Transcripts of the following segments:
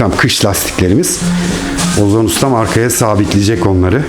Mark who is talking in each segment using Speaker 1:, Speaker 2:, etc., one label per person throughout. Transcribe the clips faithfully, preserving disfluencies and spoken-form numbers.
Speaker 1: Efendim kış lastiklerimiz. Ozan Ustam arkaya sabitleyecek onları.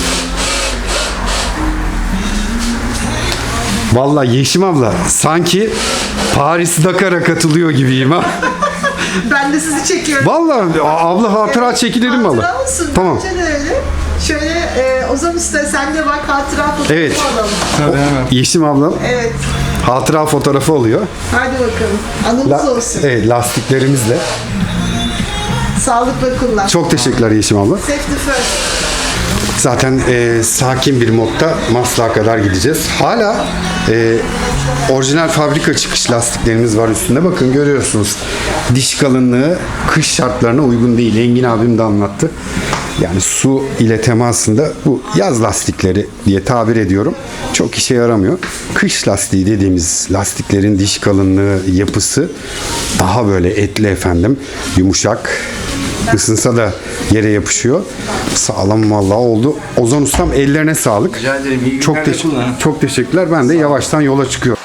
Speaker 1: Vallahi Yeşim abla sanki Paris Dakar'a katılıyor gibiyim ha.
Speaker 2: Ben de sizi çekiyorum.
Speaker 1: Vallahi abla hatıra çekilelim mi abla?
Speaker 2: Hatıra olsun.
Speaker 1: Tamam.
Speaker 2: Bence de öyle. Şöyle e, Ozan Usta sen de bak hatıra fotoğrafı
Speaker 1: Evet.
Speaker 2: alalım.
Speaker 3: Tabii hemen.
Speaker 1: Yeşim ablam
Speaker 2: Evet.
Speaker 1: hatıra fotoğrafı oluyor.
Speaker 2: Hadi bakalım. Anımız
Speaker 1: La-
Speaker 2: olsun.
Speaker 1: evet, lastiklerimizle.
Speaker 2: Sağlıkla kullan.
Speaker 1: Çok teşekkürler Yeşim abla.
Speaker 2: Safety first.
Speaker 1: Zaten e, sakin bir modda Maslak'a kadar gideceğiz. Hala e, orijinal fabrika çıkış lastiklerimiz var üstünde. Bakın görüyorsunuz. Diş kalınlığı kış şartlarına uygun değil. Engin abim de anlattı. Yani su ile temasında bu yaz lastikleri diye tabir ediyorum. Çok işe yaramıyor. Kış lastiği dediğimiz lastiklerin diş kalınlığı, yapısı daha böyle etli efendim. Yumuşak. Isınsa da yere yapışıyor. Sağlam vallahi oldu. Ozan Ustam ellerine sağlık.
Speaker 3: Rica ederim. İyi
Speaker 1: Çok,
Speaker 3: günler de
Speaker 1: teş-
Speaker 3: kullanın.
Speaker 1: çok teşekkürler. Ben de yavaştan yola çıkıyorum.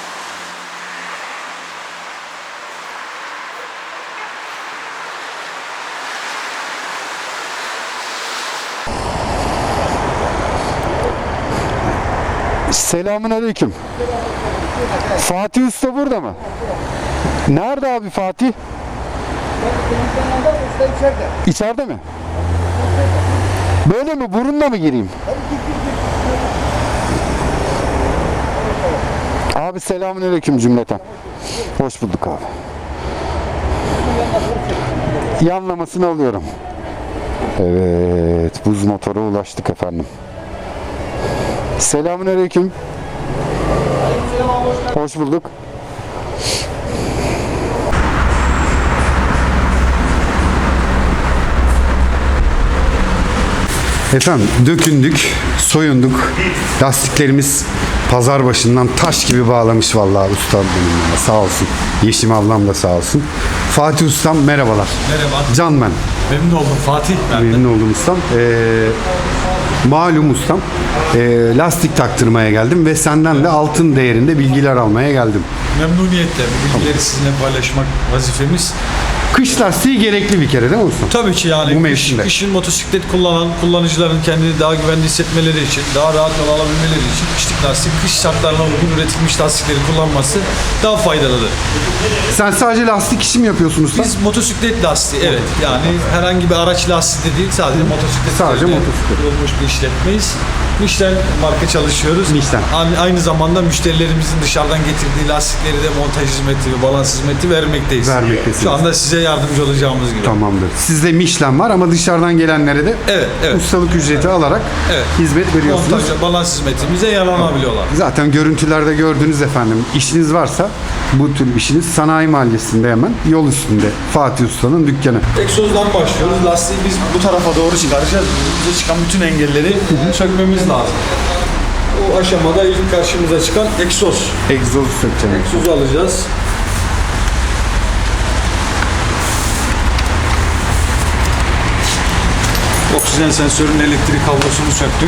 Speaker 1: Selamun aleyküm. Fatih Usta burada mı? Nerede abi Fatih? İçeride mi? Böyle mi? Burunla mı gireyim? Abi selamünaleyküm cümleten. Hoş bulduk abi. Yanlamasını alıyorum. Evet, buz motora ulaştık efendim. Selamünaleyküm. Hoş bulduk. Efendim dökündük, soyunduk. Lastiklerimiz pazar başından taş gibi bağlamış vallahi ustam benim ya. Sağ olsun. Yeşim ablam da sağ olsun. Fatih ustam merhabalar.
Speaker 4: Merhaba.
Speaker 1: Can ben.
Speaker 4: Memnun oldum Fatih ben de.
Speaker 1: Memnun oldum ustam. Ee, malum ustam. ee, lastik taktırmaya geldim ve senden de altın değerinde bilgiler almaya geldim.
Speaker 4: Memnuniyetle bu bilgileri sizinle paylaşmak vazifemiz.
Speaker 1: Kış lastiği gerekli bir kere değil mi ustam?
Speaker 4: Tabii ki yani
Speaker 1: Bu
Speaker 4: kış,
Speaker 1: mevsimde.
Speaker 4: kışın motosiklet kullanan kullanıcıların kendini daha güvenli hissetmeleri için, daha rahat yol alabilmeleri için kışlık lastik, kış şartlarına uygun üretilmiş lastikleri kullanması daha faydalıdır.
Speaker 1: Sen sadece lastik işi mi yapıyorsun usta?
Speaker 4: Biz motosiklet lastiği, evet yani herhangi bir araç lastiği de değil, sadece motosiklet
Speaker 1: Sadece
Speaker 4: üzerine
Speaker 1: motosiklet.
Speaker 4: kurulmuş bir işletmeyiz. Michelin marka çalışıyoruz.
Speaker 1: Michelin.
Speaker 4: Aynı, aynı zamanda müşterilerimizin dışarıdan getirdiği lastikleri de montaj hizmeti ve balans hizmeti vermekteyiz.
Speaker 1: Vermektesiniz.
Speaker 4: Şu anda size yardımcı olacağımız gibi.
Speaker 1: Tamamdır. Sizde Michelin var ama dışarıdan gelenlere de
Speaker 4: Evet, evet.
Speaker 1: ustalık ücreti alarak
Speaker 4: Evet.
Speaker 1: hizmet veriyorsunuz.
Speaker 4: Montaj, balans hizmetimize yararlanabiliyorlar.
Speaker 1: Zaten görüntülerde gördünüz efendim. İşiniz varsa bu tür işiniz Sanayi Mahallesi'nde hemen yol üstünde Fatih Usta'nın dükkanı.
Speaker 4: Egzozdan başlıyoruz. Lastiği biz bu tarafa doğru çıkaracağız. Bize çıkan bütün engelleri sökmemiz lazım. O aşamada ilk karşımıza çıkan egzoz.
Speaker 1: Egzozu sökeceğim.
Speaker 4: Egzozu alacağız. Oksijen sensörünün elektrik kablosunu söktük.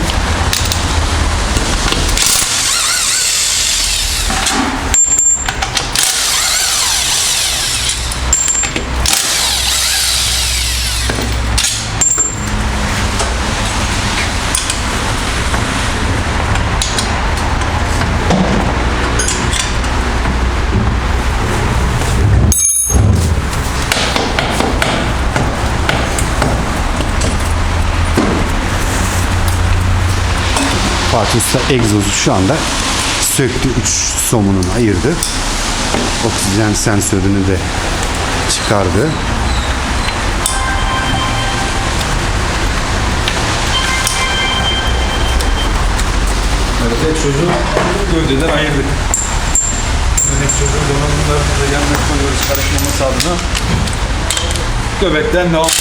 Speaker 1: Fatih Usta egzozu şu anda söktü. Üç somununu ayırdı. Oksijen sensörünü de çıkardı.
Speaker 4: Evet, egzozu gövdeden ayırdık. Egzozun donanımlarını da yanına koyuyoruz karışmaması adına. Göbekten devam.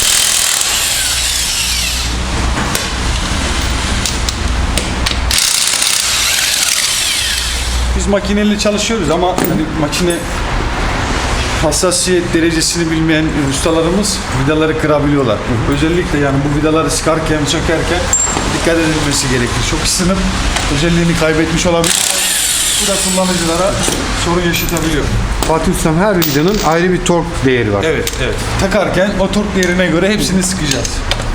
Speaker 4: Biz makineyle çalışıyoruz ama hani makine hassasiyet derecesini bilmeyen ustalarımız vidaları kırabiliyorlar. Hı hı. Özellikle yani bu vidaları sıkarken, sökerken dikkat edilmesi gerekir. Çok ısınıp özelliğini kaybetmiş olabilir. Bu da kullanıcılara sorun yaşatabiliyor.
Speaker 1: Fatih Ustam, her vidanın ayrı bir tork değeri var.
Speaker 4: Evet, evet. Takarken o tork değerine göre hepsini sıkacağız.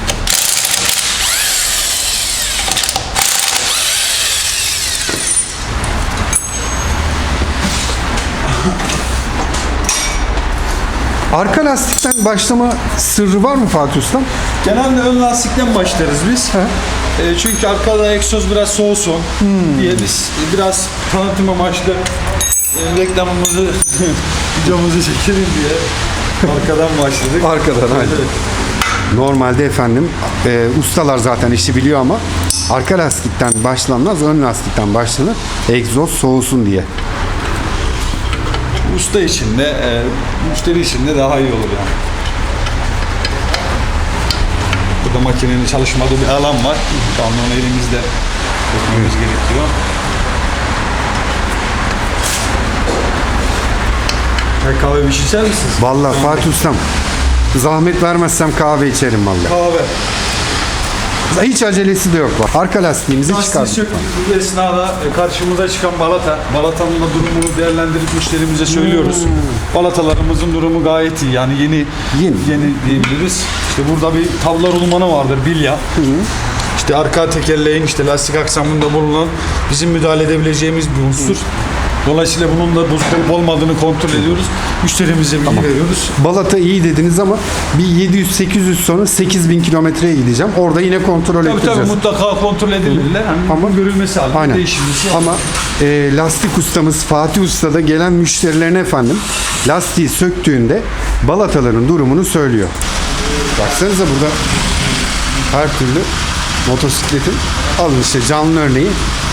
Speaker 1: Arka lastikten başlama sırrı var mı Fatih Ustam?
Speaker 4: Genelde ön lastikten başlarız biz. E, çünkü arkada egzoz biraz soğusun diye biz biraz tanıtım amaçlı e, reklamımızı, videomuzu çekelim diye arkadan başladık.
Speaker 1: Arkadan, aynen.
Speaker 4: Evet.
Speaker 1: Normalde efendim e, ustalar zaten işi biliyor ama arka lastikten başlanmaz, ön lastikten başlanır. Egzoz soğusun diye.
Speaker 4: Usta için de, e, müşteri için de daha iyi olur yani. Burada makinenin çalışmadığı bir alan var. Şu anda onu elimizde tutmamız gerekiyor. Çay kahve bir şey içer misiniz?
Speaker 1: Vallahi Fatih Ustam, zahmet vermezsem kahve içerim vallahi.
Speaker 4: Kahve.
Speaker 1: Hiç acelesi de yok. Bak. Arka lastiğimizi
Speaker 4: Lastiği
Speaker 1: çıkardık.
Speaker 4: söktüğümüz esnada e, karşımıza çıkan balata, balatanın da durumunu değerlendirip müşterimize söylüyoruz. Balatalarımızın durumu gayet iyi. Yani yeni
Speaker 1: Yeni.
Speaker 4: yeni diyebiliriz. İşte burada bir tabla rulmanı vardır, bilya. İşte arka tekerleğin işte lastik aksamında bulunan bizim müdahale edebileceğimiz bir unsur. Dolayısıyla bunun da bozuk olup olmadığını kontrol ediyoruz. Müşterimize bilgi veriyoruz.
Speaker 1: Balata iyi dediniz ama bir yedi yüz sekiz yüz sonra sekiz bin kilometreye gideceğim. Orada yine kontrol
Speaker 4: Tabii
Speaker 1: edeceğiz.
Speaker 4: tabii mutlaka kontrol edilirler. Yani
Speaker 1: Ama-
Speaker 4: ama görülmesi halinde
Speaker 1: Aynen.
Speaker 4: değişimisi yok.
Speaker 1: Ama e, lastik ustamız Fatih Usta da gelen müşterilerine efendim lastiği söktüğünde balataların durumunu söylüyor. Baksanıza burada her türlü motosikletin, alın işte canlı örneği,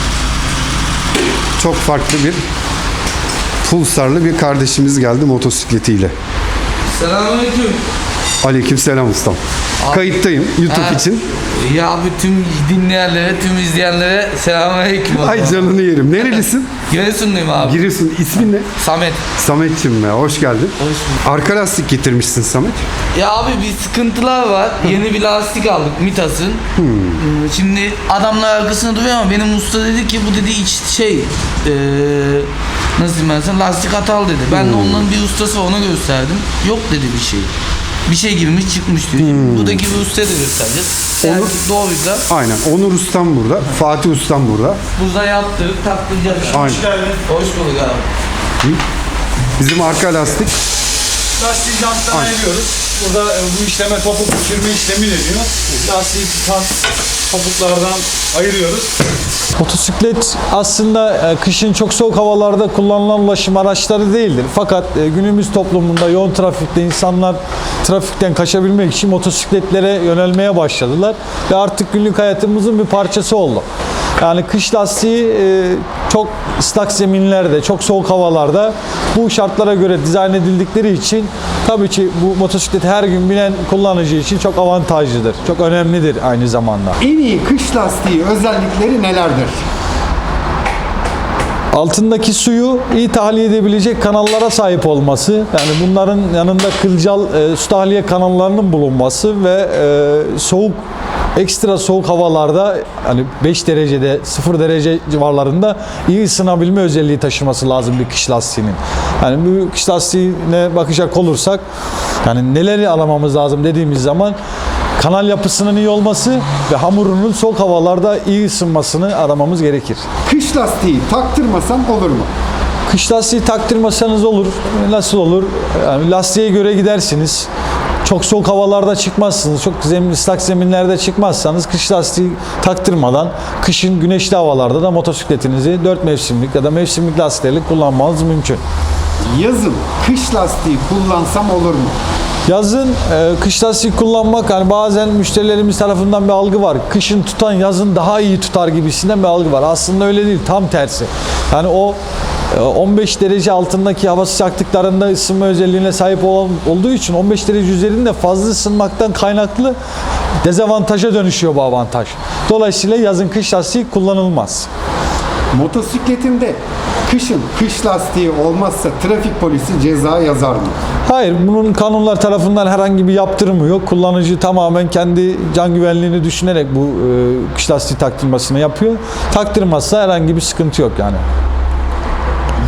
Speaker 1: çok farklı bir Pulsar'lı bir kardeşimiz geldi motosikletiyle.
Speaker 3: Selamünaleyküm.
Speaker 1: Aleykümselam ustam. Kayıttayım YouTube
Speaker 3: Ha,
Speaker 1: için.
Speaker 3: Ya bütün dinleyenlere, tüm izleyenlere selamünaleyküm.
Speaker 1: Ay canını yerim. Nerelisin?
Speaker 3: Giresunluyum abi.
Speaker 1: Giriyorsun. İsmin ne?
Speaker 3: Samet.
Speaker 1: Samet'cim ya, hoş geldin.
Speaker 3: Hoş bulduk.
Speaker 1: Arka lastik getirmişsin Samet.
Speaker 3: Ya abi bir sıkıntılar var. Yeni bir lastik aldık Mitas'ın. Hmm, Şimdi adamlar arkasında duruyor ama benim usta dedi ki bu dedi iç şey eee nasıl diyeyim ben sana, lastik hatalı dedi. Ben de onların bir ustası, ona gösterdim. Yok dedi bir şey. Bir şey girmiş çıkmış diyor. Şimdi buradaki bir ustaya da göstereceğiz. Eğer
Speaker 1: Onu-
Speaker 3: doğruysa
Speaker 1: Aynen. Onur ustam burada. Fatih ustam burada.
Speaker 3: burada yaptırıp taktıracağız.
Speaker 1: Aynen.
Speaker 3: Hoş bulduk abi.
Speaker 1: Bizim arka lastik.
Speaker 4: Lastiği janttan ayırıyoruz. Burada e, bu işleme topuk düşürme işlemi deniyor. Lastiği tutan topuklardan ayırıyoruz.
Speaker 5: Motosiklet aslında e, kışın çok soğuk havalarda kullanılan ulaşım araçları değildir. Fakat e, günümüz toplumunda yoğun trafikte insanlar trafikten kaçabilmek için motosikletlere yönelmeye başladılar. Ve artık günlük hayatımızın bir parçası oldu. Yani kış lastiği e, çok ıslak zeminlerde, çok soğuk havalarda bu şartlara göre dizayn edildikleri için tabii ki bu motosikleti her gün binen kullanıcı için çok avantajlıdır. Çok önemlidir aynı zamanda.
Speaker 1: En iyi kış lastiği özellikleri nelerdir?
Speaker 5: Altındaki suyu iyi tahliye edebilecek kanallara sahip olması, yani bunların yanında kılcal e, su tahliye kanallarının bulunması ve e, soğuk, ekstra soğuk havalarda, hani beş derecede, sıfır derece civarlarında iyi ısınabilme özelliği taşıması lazım bir kış lastiğinin. Yani bu kış lastiğine bakacak olursak, yani neleri alamamız lazım dediğimiz zaman, kanal yapısının iyi olması ve hamurunun soğuk havalarda iyi ısınmasını aramamız gerekir.
Speaker 1: Kış lastiği taktırmasam olur mu?
Speaker 5: Kış lastiği taktırmasanız olur. Nasıl olur? Yani lastiğe göre gidersiniz. Çok soğuk havalarda çıkmazsınız. Çok zemin, ıslak zeminlerde çıkmazsanız kış lastiği taktırmadan kışın güneşli havalarda da motosikletinizi dört mevsimlik ya da mevsimlik lastiklerle kullanmanız mümkün.
Speaker 1: Yazın kış lastiği kullansam olur mu?
Speaker 5: Yazın e, kış lastiği kullanmak, hani bazen müşterilerimiz tarafından bir algı var. Kışın tutan yazın daha iyi tutar gibisinden bir algı var. Aslında öyle değil, tam tersi. Yani o e, on beş derece altındaki hava sıcaklıklarında ısınma özelliğine sahip olan, olduğu için on beş derece üzerinde fazla ısınmaktan kaynaklı dezavantaja dönüşüyor bu avantaj. Dolayısıyla yazın kış lastiği kullanılmaz.
Speaker 1: Motosikletimde kışın kış lastiği olmazsa trafik polisi ceza yazar mı?
Speaker 5: Hayır, bunun kanunlar tarafından herhangi bir yaptırımı yok. Kullanıcı tamamen kendi can güvenliğini düşünerek bu e, kış lastiği taktırmasını yapıyor. Taktırmazsa herhangi bir sıkıntı yok yani.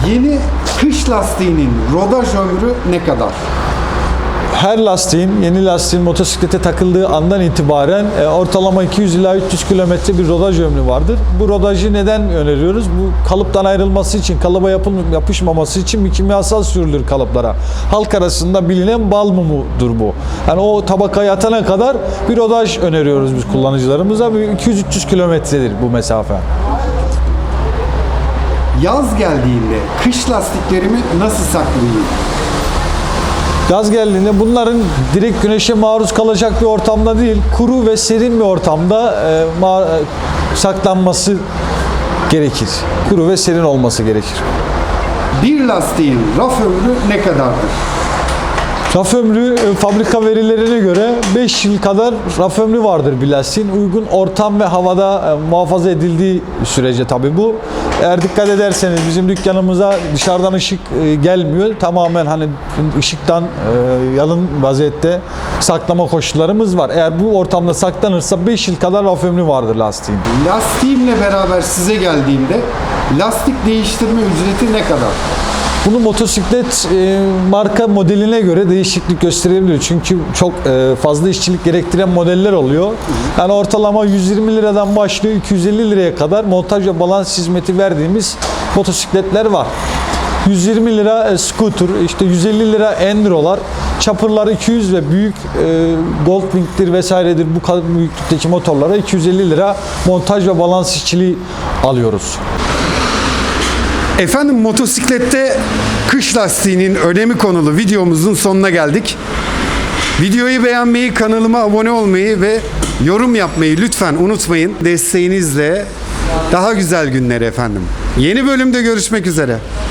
Speaker 1: Yeni kış lastiğinin rodaj ömrü ne kadar?
Speaker 5: Her lastiğin, yeni lastiğin motosiklete takıldığı andan itibaren e, ortalama iki yüz ila üç yüz kilometre bir rodaj ömrü vardır. Bu rodajı neden öneriyoruz? Bu kalıptan ayrılması için, kalıba yapıl, yapışmaması için bir kimyasal sürülür kalıplara. Halk arasında bilinen bal mumudur bu. Yani o tabakaya atana kadar bir rodaj öneriyoruz biz kullanıcılarımıza. iki yüz üç yüz kilometredir bu mesafe.
Speaker 1: Yaz geldiğinde kış lastiklerimi nasıl saklayayım?
Speaker 5: Yaz geldiğinde bunların direkt güneşe maruz kalacak bir ortamda değil, kuru ve serin bir ortamda e, ma- e, saklanması gerekir. Kuru ve serin olması gerekir.
Speaker 1: Bir lastiğin raf ömrü ne kadardır?
Speaker 5: Raf ömrü e, fabrika verilerine göre beş yıl kadar raf ömrü vardır bir lastiğin. Uygun ortam ve havada e, muhafaza edildiği sürece tabii bu. Eğer dikkat ederseniz bizim dükkanımıza dışarıdan ışık e, gelmiyor. Tamamen hani ışıktan e, yalın vaziyette saklama koşullarımız var. Eğer bu ortamda saklanırsa beş yıl kadar raf ömrü vardır lastiğin.
Speaker 1: Lastiğimle beraber size geldiğimde lastik değiştirme ücreti ne kadar?
Speaker 5: Bunu motosiklet e, marka modeline göre değişiklik gösterebilir. Çünkü çok e, fazla işçilik gerektiren modeller oluyor. Yani ortalama yüz yirmi liradan başlıyor iki yüz elli liraya kadar montaj ve balans hizmeti verdiğimiz motosikletler var. yüz yirmi lira e, scooter, işte yüz elli lira endurolar, chopper'lar iki yüz ve büyük e, Goldwing'tir vesairedir bu kadar büyüklükteki motorlara iki yüz elli lira montaj ve balans işçiliği alıyoruz.
Speaker 1: Efendim motosiklette kış lastiğinin önemi konulu videomuzun sonuna geldik. Videoyu beğenmeyi, kanalıma abone olmayı ve yorum yapmayı lütfen unutmayın. Desteğinizle daha güzel günler efendim. Yeni bölümde görüşmek üzere.